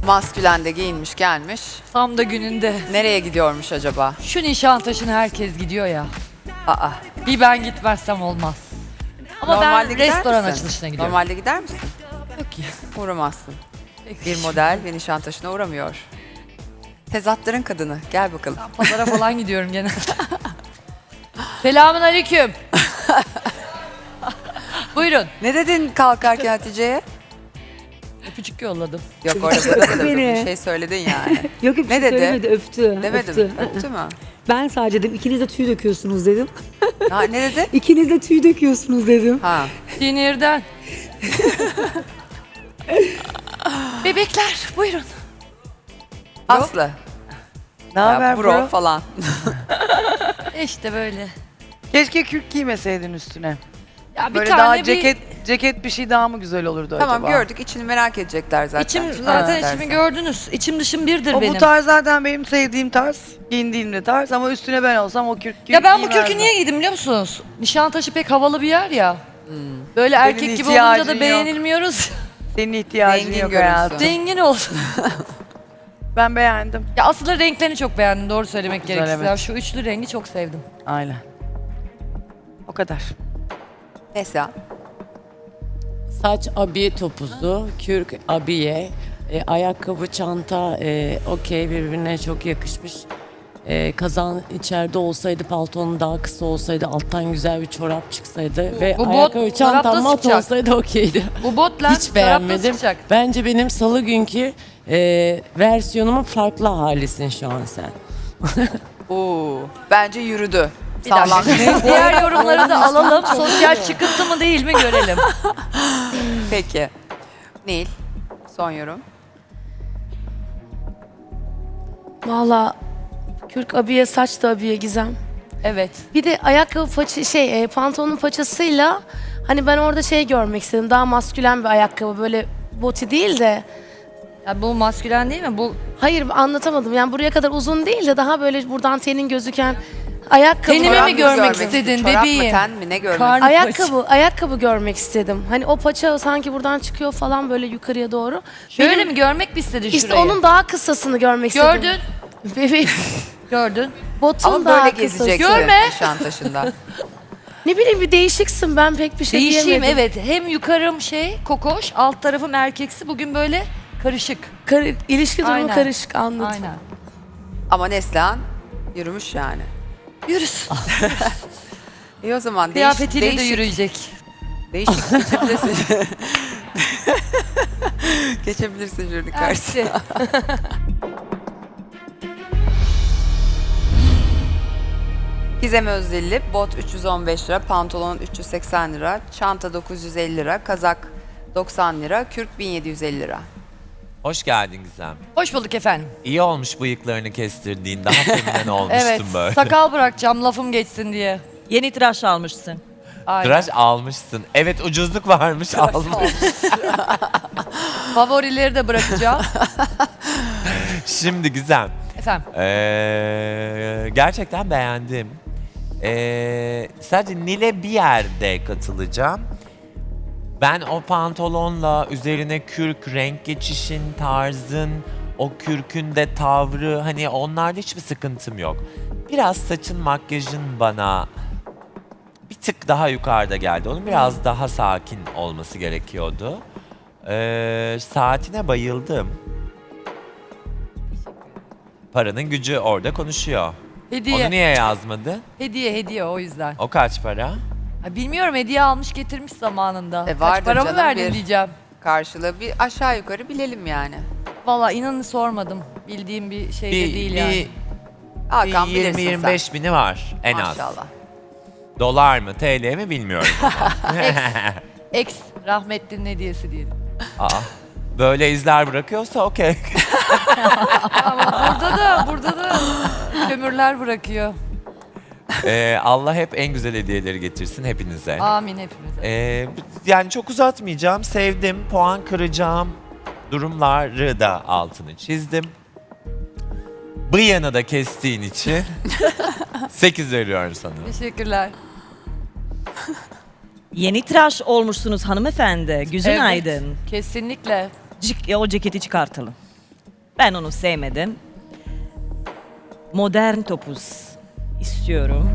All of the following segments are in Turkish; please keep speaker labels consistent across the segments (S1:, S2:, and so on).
S1: Maskülen de giyinmiş gelmiş.
S2: Tam da gününde.
S1: Nereye gidiyormuş acaba?
S2: Şu Nişantaşı'na herkes gidiyor ya.
S1: Aa.
S2: Bir ben gitmezsem olmaz. Ama
S1: Normalde
S2: ben
S1: gider
S2: restoran
S1: misin?
S2: açılışına gidiyorum.
S1: Normalde gider misin?
S2: Yok ya.
S1: Uğramazsın.
S2: Peki.
S1: Bir model ve Nişantaşı'na uğramıyor. Tezatların kadını. Gel bakalım.
S2: Pazara falan gidiyorum gene. Selamun aleyküm. Buyurun.
S1: Ne dedin kalkarken Hatice'ye?
S2: Öpücük yolladım.
S1: Yok orada da bir
S3: Beni.
S1: şey söyledin yani.
S3: Yok yok,
S1: Ne
S3: ne
S1: dedi?
S3: söylemedi, öptü.
S1: Demedim.
S3: Öptü.
S1: Öptü mü?
S3: Ben sadece dedim, ikiniz de tüy döküyorsunuz dedim.
S1: Ha, ne dedi?
S3: İkiniz de tüy döküyorsunuz dedim.
S1: Ha.
S2: Sinirden. Bebekler buyurun.
S1: Aslı.
S4: Ne
S1: Ya,
S4: haber
S1: bro
S4: bro?
S1: falan.
S2: İşte böyle.
S4: Keşke kürk giymeseydin üstüne.
S2: Ya bir
S4: Böyle
S2: tane
S4: daha
S2: bir...
S4: ceket bir şey daha mı güzel olurdu
S1: Tamam
S4: acaba?
S1: gördük. İçini merak edecekler zaten.
S2: İçim
S1: Çıkar
S2: zaten
S1: istersen.
S2: içimi gördünüz. İçim dışım birdir
S4: O
S2: benim.
S4: bu tarz zaten benim sevdiğim tarz. Giyindiğimde tarz ama üstüne ben olsam o kürk
S2: Ya ben bu kürkü
S4: giymezdim.
S2: niye giydim biliyor musunuz? Nişantaşı pek havalı bir yer ya. Böyle
S4: Senin
S2: erkek gibi
S4: ihtiyacın
S2: olunca da
S4: yok.
S2: beğenilmiyoruz.
S4: Senin ihtiyacın
S1: Zengin
S4: yok
S1: görünsün.
S4: hayatım.
S2: Zengin olsun.
S4: Ben beğendim.
S2: Ya aslında renklerini çok beğendim doğru söylemek
S4: Güzel,
S2: gerekirse.
S4: evet.
S2: Ya şu üçlü rengi çok sevdim.
S4: Aynen. O kadar.
S1: Mesela.
S5: Saç abiye topuzu, kürk abiye, ayakkabı, çanta okey birbirine çok yakışmış. Kazan içeride olsaydı, paltonun daha kısa olsaydı, alttan güzel bir çorap çıksaydı ve
S2: bu bot
S5: ayakkabı, çantam
S2: çorapta
S5: mat
S2: çıkacak.
S5: olsaydı okeydi.
S2: Bu bot lens
S5: Hiç beğenmedim.
S2: çıkacak.
S5: Bence benim salı günkü versiyonumun farklı halisin şu an sen.
S1: Oo. Bence yürüdü.
S2: Bir dakika.
S1: Sağlam.
S2: Diğer yorumları da alalım. Sosyal çıkıntı mı değil mi görelim.
S1: Peki. Nil. Son yorum.
S6: Valla kürk abiye, saç da abiye Gizem.
S2: Evet.
S6: Bir de ayakkabı pantolonun paçasıyla hani ben orada şey görmek istedim. Daha maskülen bir ayakkabı, böyle boti değil de.
S2: Ya bu maskülen değil mi? Bu
S6: Hayır, anlatamadım. Yani buraya kadar uzun değil de daha böyle buradan tenin gözüken ayakkabı.
S2: Tenimi mi
S1: Çorap mı
S2: görmek
S1: istedim?
S2: istedin
S1: Çorap
S2: bebeğim?
S1: mı ten mi ne görmek
S2: Karnı-
S6: Ayakkabı görmek istedim. Hani o paça sanki buradan çıkıyor falan böyle yukarıya doğru.
S2: Şöyle
S6: Benim-
S2: mi görmek mi istedin
S6: İşte
S2: şurayı?
S6: onun daha kısasını görmek istedim.
S2: Gördün.
S6: Bebeğim.
S2: Gördün.
S6: Botun
S1: Ama
S6: daha
S1: böyle
S6: kısası.
S1: gezeceksin
S2: Görme.
S1: Nişantaşı'nda.
S6: Ne bileyim, bir değişiksin, ben pek bir şey
S2: Değişeyim
S6: diyemedim.
S2: evet. Hem yukarım kokoş, alt tarafım erkeksi. Bugün böyle karışık.
S6: İlişki durumu
S2: Aynen.
S6: karışık, anladım.
S2: Aynen.
S1: Ama Neslihan yürümüş yani.
S2: Yürüsün.
S1: İyi o zaman
S2: Kıyafetiyle de
S1: değişik,
S2: yürüyecek.
S1: değişik geçebilirsin. Geçebilirsin jüri karşısına. Gizem Özdilli, bot 315 lira, pantolon 380 lira, çanta 950 lira, kazak 90 lira, kürk 1750 lira.
S7: Hoş geldin Gizem.
S2: Hoş bulduk efendim.
S7: İyi olmuş bıyıklarını kestirdiğin. Daha feminen olmuştun
S2: Evet.
S7: böyle.
S2: Sakal bırakacağım lafım geçsin diye.
S8: Yeni tıraş almışsın.
S2: Aynen.
S7: Tıraş almışsın. Evet ucuzluk varmış almış.
S2: Favorileri de bırakacağım.
S7: Şimdi Gizem.
S2: Efendim.
S7: Gerçekten beğendim. Sadece Nil'e bir yerde katılacağım. Ben o pantolonla üzerine kürk, renk geçişin, tarzın, o kürkün de tavrı hani onlarda hiçbir sıkıntım yok. Biraz saçın, makyajın bana bir tık daha yukarıda geldi. Onun biraz daha sakin olması gerekiyordu. Saatine bayıldım. Paranın gücü orada konuşuyor.
S2: Hediye.
S7: Onu niye yazmadın?
S2: Hediye o yüzden.
S7: O kaç para?
S2: Ha, bilmiyorum, hediye almış getirmiş zamanında.
S1: vardır
S2: Kaç para mı
S1: canım,
S2: verdin
S1: bir-
S2: diyeceğim.
S1: Karşılığı bir aşağı yukarı bilelim yani.
S2: Valla inanın sormadım. Bildiğim bir şey de değil yani.
S1: Hakan bilirsin
S7: 20-25 bini var en
S1: sen.
S7: az.
S1: Maşallah.
S7: Dolar mı TL mi bilmiyorum.
S2: Ex rahmetlinin hediyesi diyelim.
S7: Aa, böyle izler bırakıyorsa okey.
S2: Ama burada da kömürler bırakıyor.
S7: Allah hep en güzel hediyeleri getirsin hepinize.
S2: Amin hepimize.
S7: Yani çok uzatmayacağım. Sevdim. Puan kıracağım durumları da altını çizdim. Bıyığını da kestiğin için 8 veriyorum sana.
S2: Teşekkürler.
S8: Yeni tıraş olmuşsunuz hanımefendi. Gözün
S2: Evet,
S8: aydın.
S2: Kesinlikle.
S8: O ceketi çıkartalım. Ben onu sevmedim. Modern topuz istiyorum.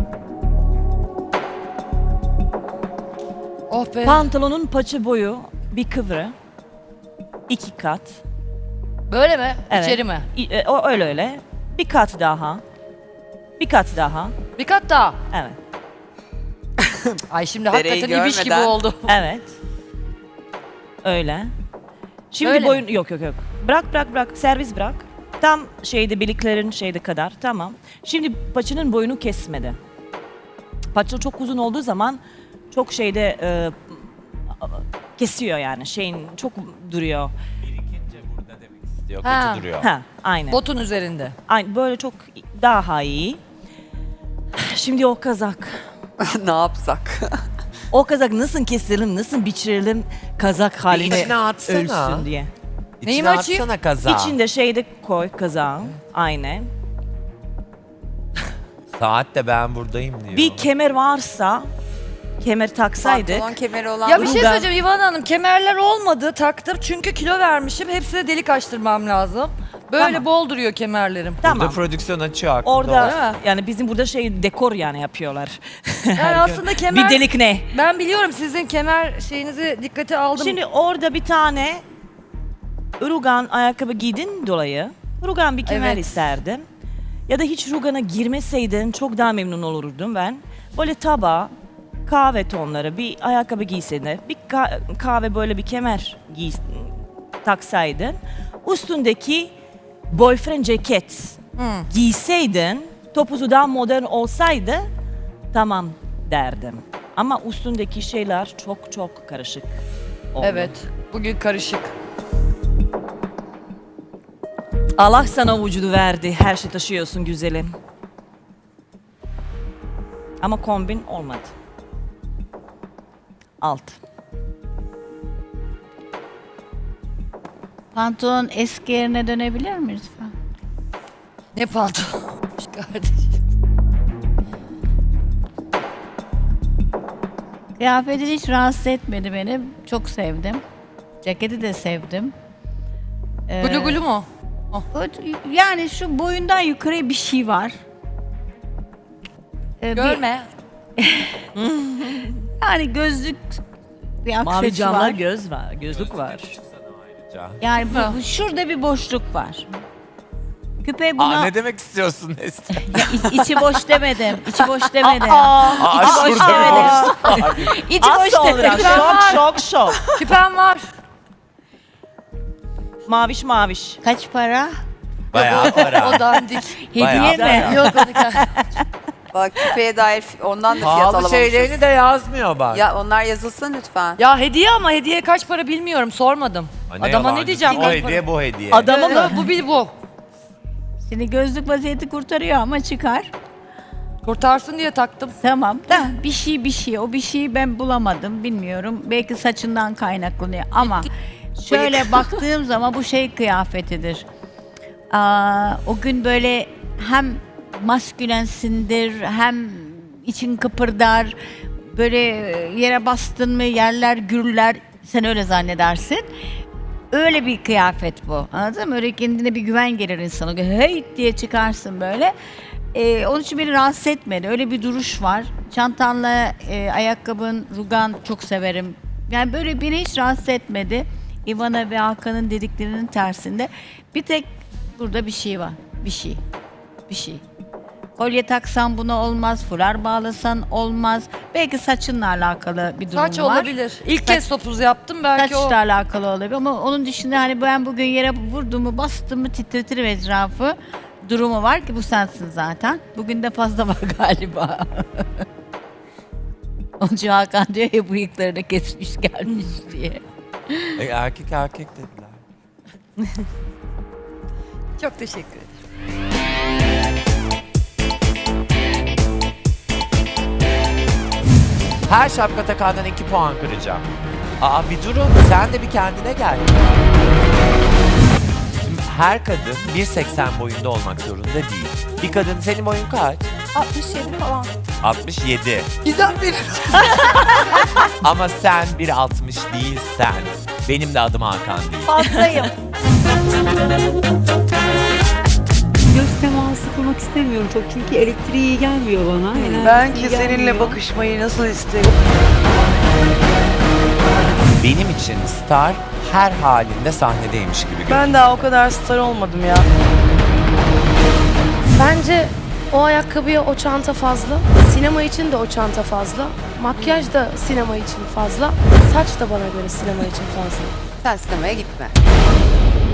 S2: Oh be.
S8: Pantolonun paça boyu bir kıvrı. 2 kat.
S2: Böyle mi?
S8: Evet.
S2: İçeri mi?
S8: O öyle öyle. Bir kat daha. Bir kat daha.
S2: Bir kat daha.
S8: Evet.
S2: Ay şimdi
S1: Dereyi
S2: hakikaten ibiş gibi
S1: görmeden.
S2: oldu.
S8: Evet. Öyle. Şimdi
S2: Böyle
S8: boyun yok. Bırak. Servis bırak. Tam biliklerin kadar. Tamam. Şimdi paçanın boyunu kesmedi. Paça çok uzun olduğu zaman çok kesiyor yani. Çok duruyor.
S7: Birikince burada demek istiyor.
S2: Ha.
S7: Kötü duruyor.
S8: Ha, aynen.
S2: Botun üzerinde.
S8: Aynen böyle çok daha iyi. Şimdi o kazak.
S1: Ne yapsak?
S8: O kazak nasıl keselim, nasıl biçirelim kazak haline
S7: İçine atsana.
S8: ölsün diye.
S2: Neyimi
S7: İçine
S2: açayım?
S7: atsana kazağı.
S8: İçinde koy kazağın. Aynen.
S7: Saat de ben buradayım diyor.
S8: Bir kemer varsa kemer taksaydık.
S1: Pantolon kemeri olan
S2: Ya bir şey
S8: Rugan.
S2: söyleyeceğim İvan Hanım. Kemerler olmadı taktım çünkü kilo vermişim. Hepsine delik açtırmam lazım. Böyle
S8: Tamam.
S2: bol duruyor kemerlerim.
S7: Burada
S8: Tamam.
S7: prodüksiyon açıyor aklında
S8: Orada
S7: olsun.
S8: yani bizim burada dekor yani yapıyorlar.
S2: Yani aslında kemer...
S8: Bir delik ne?
S2: Ben biliyorum sizin kemer şeyinizi dikkate aldım.
S8: Şimdi orada bir tane rugan ayakkabı giydin dolayı rugan bir kemer
S2: Evet.
S8: isterdim. Ya da hiç rugana girmeseydin çok daha memnun olurdum ben. Böyle kahve tonları bir ayakkabı giyseydin. Bir kahve böyle bir kemer taksaydın. Üstündeki boyfriend ceket giyseydin, topuzu daha modern olsaydı tamam derdim. Ama üstündeki şeyler çok karışık oldu.
S2: Evet. Bugün karışık.
S8: Allah sana vücudu verdi. Her şey taşıyorsun güzelim. Ama kombin olmadı. Alt.
S9: Pantolon eski yerine dönebilir mi lütfen?
S2: Ne pantolon kardeşim.
S9: Kıyafetin hiç rahatsız etmedi beni. Çok sevdim. Ceketi de sevdim.
S2: Gulu gulu mu?
S9: Yani şu boyundan yukarı bir şey var.
S2: Görme.
S9: Yani gözlük bir
S8: Mavi
S9: aksesuar.
S8: camlar gözlük var.
S7: Ayrıca.
S9: Yani şurada bir boşluk var. Küpe buna...
S7: Ne demek istiyorsun Nesli?
S9: içi boş demedim. İçi boş demedim.
S7: Aa,
S9: boş
S7: şurada
S9: İçi boş demedim.
S8: Şok.
S2: Küpem var.
S8: Maviş.
S9: Kaç para?
S7: Bayağı para.
S2: O dandik.
S7: Bayağı
S9: Hediye mi?
S7: para.
S2: Yok onu
S1: Bak küpeye dair ondan da fiyat
S7: Pahalı
S1: alamamışız.
S7: şeylerini de yazmıyor bak.
S1: Ya onlar yazılsın lütfen.
S2: Ya hediye ama hediye kaç para bilmiyorum sormadım. Adama ne
S7: yalancısın,
S2: diyeceğim?
S7: O
S2: kaç
S7: hediye bu hediye.
S8: Adama mı?
S2: Bu bil bu.
S9: Şimdi gözlük vaziyeti kurtarıyor ama çıkar.
S2: Kurtarsın diye taktım.
S9: Tamam da bir şey. O bir şeyi ben bulamadım bilmiyorum. Belki saçından kaynaklanıyor ama şöyle baktığım zaman bu şey kıyafetidir. O gün böyle hem maskülensindir hem için kıpırdar. Böyle yere bastın mı yerler gürler. Sen öyle zannedersin. Öyle bir kıyafet bu. Anladın mı? Öyle kendine bir güven gelir insana. Hey diye çıkarsın böyle. Onun için beni rahatsız etmedi. Öyle bir duruş var. Çantanla ayakkabın, rugan çok severim. Yani böyle beni hiç rahatsız etmedi. Ivana ve Hakan'ın dediklerinin tersinde. Bir tek burada bir şey var. Bir şey. Kolye taksan buna olmaz, fular bağlasan olmaz. Belki saçınla alakalı bir durum
S2: Saç
S9: var.
S2: olabilir. İlk kez topuz yaptım belki o.
S9: Saçla alakalı olabilir ama onun dışında hani ben bugün yere vurduğumu bastığımı titretirim etrafı durumu var ki bu sensin zaten. Bugün de fazla var galiba. Onun için Hakan diyor ya bıyıklarını kesmiş gelmiş diye.
S7: Erkek dediler.
S2: Çok teşekkür ederim.
S7: Her şapka takandan 2 puan kıracağım. Bir durun. Sen de bir kendine gel. Şimdi her kadın 1.80 boyunda olmak zorunda değil. Bir kadın senin boyun kaç?
S9: 67 falan.
S7: 67.
S1: Gizem bir.
S7: Ama sen 1.60 değilsen benim de adım Hakan değil.
S9: Fazlayım.
S3: Göz teması kurmak istemiyorum çok çünkü elektriği iyi gelmiyor bana. enerjisi
S4: Ben
S3: iyi
S4: ki seninle
S3: gelmiyor.
S4: bakışmayı nasıl isterim.
S7: Benim için star her halinde sahnedeymiş gibi görünüyor.
S4: Ben daha o kadar star olmadım ya.
S6: Bence o ayakkabıya o çanta fazla. Sinema için de o çanta fazla. Makyaj da sinema için fazla. Saç da bana göre sinema için fazla.
S1: Sen sinemaya gitme.